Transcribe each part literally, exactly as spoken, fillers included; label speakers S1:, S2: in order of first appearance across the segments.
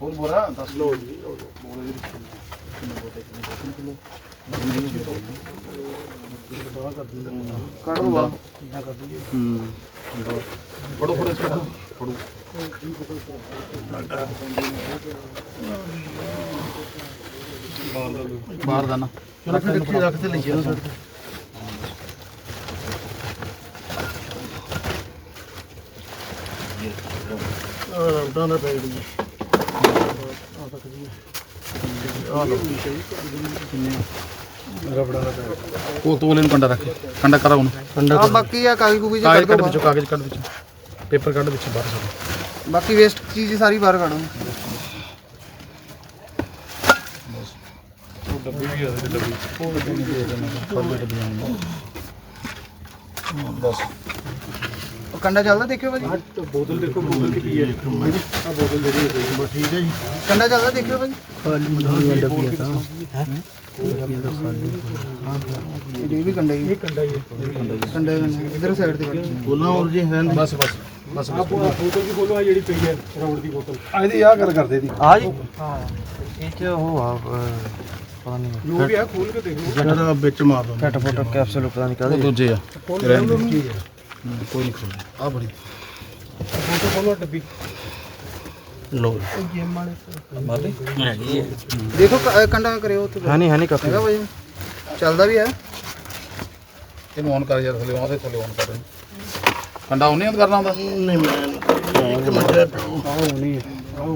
S1: ਹੋਰ ਬੋਰਾ ਦਸ
S2: ਲਓ ਜੀ
S1: ਕੱਢ ਦੋ ਬਾਹਰ ਹੂੰ ਫੜੋ ਫੜੋ ਇਸ ਨੂੰ ਫੜੋ ਬਾਹਰ ਦਾ ਨਾ ਰੱਖ ਰੱਖ ਰੱਖ ਤੇ ਲਈ ਇਹਨੂੰ ਸਾਡੇ
S2: ਆ ਰੌਡਾਂ ਦਾ ਪੈਕਟ ਜੀ ਆ ਤੱਕ ਜੀ ਆ ਲਓ ਰਬੜਾਂ ਦਾ ਪੈਕਟ
S1: ਉਹ ਤੋਲੇ ਨੂੰ ਕੰਡਾ ਰੱਖ ਕੰਡਾ ਕਰਾ ਉਹਨੂੰ
S3: ਆ ਬਾਕੀ ਆ ਕਾਗਜ਼ ਕੂਗਜ਼
S1: ਕਾਗਜ਼ ਕੱਢ ਵਿੱਚੋਂ ਕਾਗਜ਼ ਕੱਢ ਵਿੱਚੋਂ ਪੇਪਰ ਕੱਢ ਵਿੱਚੋਂ ਬਾਹਰ ਸਾਰਾ
S3: ਬਾਕੀ ਵੇਸਟ ਚੀਜ਼ ਸਾਰੀ ਬਾਹਰ ਕੱਢੋ
S2: ਉਹ ਡੱਬੀ ਵੀ ਆ ਤੇ ਡੱਬੀ
S1: ਉਹ ਡੱਬੀ ਨਹੀਂ ਦੇ ਦੇਣਾ ਫੜ ਡੱਬੀ ਆਉਣੀ ਬਸ
S3: ਉਹ ਕੰਡਾ ਚੱਲਦਾ ਦੇਖਿਓ ਭਾਜੀ
S2: ਆ ਬੋਤਲ ਦੇਖੋ ਬੋਤਲ ਕੀ ਹੈ ਆ ਬੋਤਲ ਜਿਹੜੀ ਹੈ ਬਸ ਠੀਕ ਹੈ ਜੀ
S3: ਕੰਡਾ ਚੱਲਦਾ ਦੇਖਿਓ ਭਾਜੀ
S2: ਖਾਲੀ ਡੱਬੀ ਆ ਤਾਂ ਹੈ
S3: ਇਹ ਵੀ ਕੰਡਾ ਹੀ
S2: ਇਹ ਕੰਡਾ ਹੀ ਹੈ
S3: ਕੰਡਾ ਇਧਰ ਸਾਈਡ ਤੇ ਕੱਢ
S1: ਬੋਲਣਾ ਹੋਰ ਜੀ ਹੈ ਬਸ ਬਸ ਬਸ
S2: ਆ ਬੋਤਲ ਵੀ ਖੋਲੋ ਆ ਜਿਹੜੀ ਪਈ ਹੈ ਰੌੜ ਦੀ ਬੋਤਲ ਆ ਇਹਦੀ ਆ ਗੱਲ ਕਰਦੇ ਦੀ
S3: ਆ ਜੀ ਹਾਂ ਇਹ ਚ ਉਹ ਆ ਪਤਾ ਨਹੀਂ
S2: ਜੋ ਵੀ ਆ ਖੋਲ ਕੇ ਦੇਖ ਲਓ
S1: ਜਿਹੜਾ ਵਿੱਚ ਮਾਰ ਦੋ
S3: ਫਟ ਫਟ ਕੈਪਸੂਲ ਪਤਾ ਨਹੀਂ
S1: ਉਹ
S3: ਕਾਹਦੇ
S1: ਦੂਜੇ ਆ
S2: ਰਹਿਣ ਦਿਓ
S1: ਕੋਈ ਨਹੀਂ ਖੋਲ ਆ ਬੜੀ
S2: ਬੋਤਲ ਖੋਲੋ ਡੱਬੀ
S1: ਲੋ
S3: ਗੇਮ ਵਾਲੇ
S1: ਮਾਰ ਦੇ ਹੈਗੀ ਹੈ
S3: ਦੇਖੋ ਕ- ਕੰਡਾ ਕਰਿਓ ਉੱਥੇ ਹਾਂ ਨਹੀਂ ਹਾਂ ਨਹੀਂ ਕਾਫੀ ਹੈਗਾ ਭਾਜੀ ਚੱਲਦਾ ਵੀ ਹੈ
S1: ਇਹਨੂੰ ਔਨ ਕਰ ਯਾਰ ਥੱਲੇ ਆਉਂਦੇ ਥੱਲੇ ਔਨ ਕਰ ਕੰਡਾ ਉਹਨੇ ਔਨ ਕਰਨਾ ਹੁੰਦਾ ਨਹੀਂ ਮੈਂ ਇੱਕ ਮਿੰਟ
S2: ਆਹ ਨਹੀਂ ਆਹ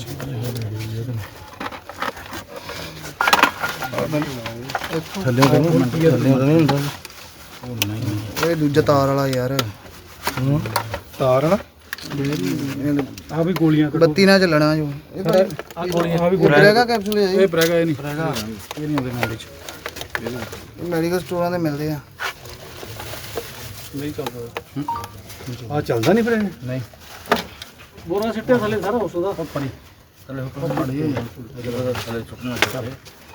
S1: ਥੱਲੇ ਤਾਂ ਨਹੀਂ ਥੱਲੇ ਤਾਂ ਨਹੀਂ ਹੁੰਦਾ ਉਹ ਨਹੀਂ
S3: ਇਹ ਦੂਜਾ ਤਾਰ ਵਾਲਾ ਯਾਰ
S2: ਤਾਰ ਨਾ ਆ ਵੀ ਗੋਲੀਆਂ ਕੱਢੋ
S3: ਬੱਤੀ ਨਾਲ ਚੱਲਣਾ ਜੋ ਇਹ ਭਾਈ
S2: ਆ ਗੋਲੀਆਂ ਆ ਵੀ
S3: ਇਹ ਬ੍ਰੇਗਾ ਕੈਪਸੂਲ ਹੈ ਜੀ
S1: ਇਹ ਬ੍ਰੈਗਾ ਇਹ ਨਹੀਂ ਬ੍ਰੈਗਾ ਇਹ ਨਹੀਂ ਉਹਦੇ ਨਾਲ ਵਿੱਚ
S3: ਮੈਡੀਕਲ ਸਟੋਰਾਂ ਤੇ ਮਿਲਦੇ ਆ
S2: ਨਹੀਂ ਚੱਲਦਾ ਆ ਚੱਲਦਾ ਨਹੀਂ ਫਿਰ ਇਹ
S1: ਨਹੀਂ
S2: ਬੋਰਾ ਸਿੱਟਿਆ ਥੱਲੇ ਸਾਰਾ ਉਸ ਦਾ
S1: ਪੜੀ ਥੱਲੇ ਹੁਕਮ ਪੜੀ ਇਹਦਾ ਥੱਲੇ ਚੁੱਕਣਾ ਚਾਹੀਦਾ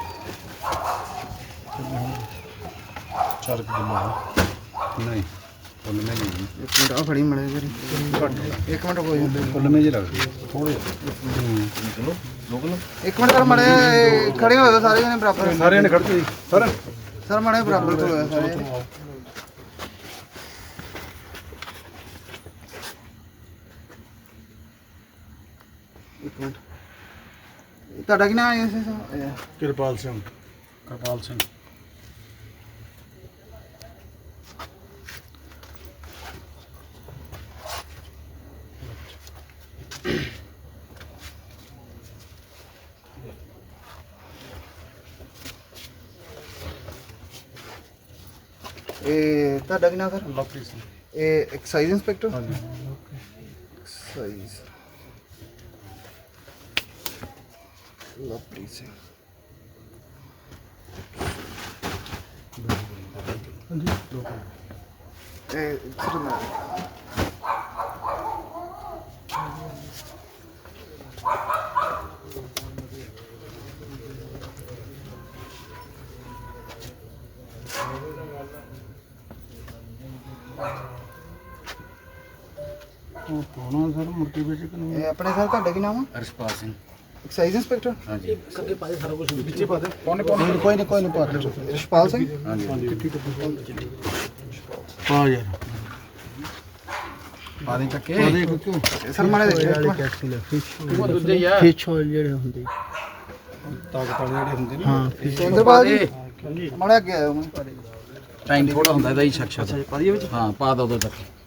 S1: ਚਾਰ ਕਿਲੋ ਨਹੀਂ ਫੁੱਲ ਮੇ ਨਹੀਂ
S3: ਇੱਕ ਮਿੰਟ ਆ ਫੜੀ ਮੜੇ ਕਰੀ ਇੱਕ ਮਿੰਟ ਕੋਈ
S1: ਫੁੱਲ ਮੇ ਜੀ ਲੱਗਦੀ ਥੋੜੇ ਚਲੋ ਦੋ ਕਿਲੋ
S3: ਇੱਕ ਮਿੰਟ ਸਰ ਮੜੇ ਖੜੇ ਹੋਏ ਸਾਰੇ ਜਣੇ ਬਰਾਬਰ
S2: ਸਾਰਿਆਂ ਨੇ ਖੜਦੇ ਜੀ ਸਰ
S3: ਸਰ ਮੜੇ ਬਰਾਬਰ ਤੋਂ ਹੋਇਆ ਸਾਰੇ ਜਣੇ। ਇੱਕ ਮਿੰਟ ਤੁਹਾਡਾ ਕੀ ਨਾਮ ਹੈ ਇਸ
S2: ਕਿਰਪਾਲ ਸਿੰਘ
S1: ਕਰਪਾਲ ਸਿੰਘ
S3: ਇਹ ਤੁਹਾਡਾ ਕੀ ਨਾਮ ਸਰ
S2: ਲਵਪ੍ਰੀਤ ਸਿੰਘ
S3: ਇਹ ਐਕਸਾਈਜ਼ ਇੰਸਪੈਕਟਰ
S2: ਹਾਂਜੀ
S3: ਐਕਸਾਈਜ਼ ਲਵਪ੍ਰੀਤ ਸਿੰਘ ਇਹ ਸਰ ਮੈਂ
S1: ਉਹ ਕੋਣਾ ਸਰ ਮੋਟੀਵੇਟ ਕਰਨੀ
S3: ਇਹ ਆਪਣੇ ਸਰ ਤੁਹਾਡਾ ਕੀ ਨਾਮ ਹੈ
S1: ਅਰਸ਼ਪਾਲ ਸਿੰਘ
S3: ਐਕਸਾਈਜ਼ ਇੰਸਪੈਕਟਰ
S1: ਹਾਂਜੀ
S2: ਅੱਗੇ ਪਾਦੇ ਸਾਰਾ ਕੁਝ ਵਿੱਚੇ ਪਾ ਦੇ
S1: ਕੋਨੇ ਕੋਨੇ ਕੋਈ ਨਹੀਂ ਕੋਈ ਨਹੀਂ ਪਾ ਦੇ
S3: ਰਿਸ਼ਪਾਲ ਸਿੰਘ
S1: ਹਾਂਜੀ ਪਾ ਯਾਰ ਪਾਣੀ ਚੱਕੇ
S3: ਸਰ ਮਾੜੇ ਦੇਖੋ
S2: ਕੈਪਸੂਲ
S1: ਉਹ ਦੂਜੇ ਹੀ ਆ
S2: ਫਿਸ਼ ਆਇਲ ਜਿਹੜੇ ਹੁੰਦੇ ਤਾਕਤ ਵਾਲੇ ਜਿਹੜੇ ਹੁੰਦੇ ਨੇ
S3: ਹਾਂ ਸਿੰਦਰਪਾਲ ਜੀ ਮਾੜਾ ਅੱਗੇ ਆਇਓ ਮੈਂ
S1: ਟਾਈਮ ਥੋੜਾ ਹੁੰਦਾ ਇਹਦਾ ਹੀ ਸ਼ੱਕ ਸ਼ੱਕ ਪਾ ਦਈਏ ਵਿੱਚ ਹਾਂ ਪਾ ਦੋ ਦੋ ਤੱਕ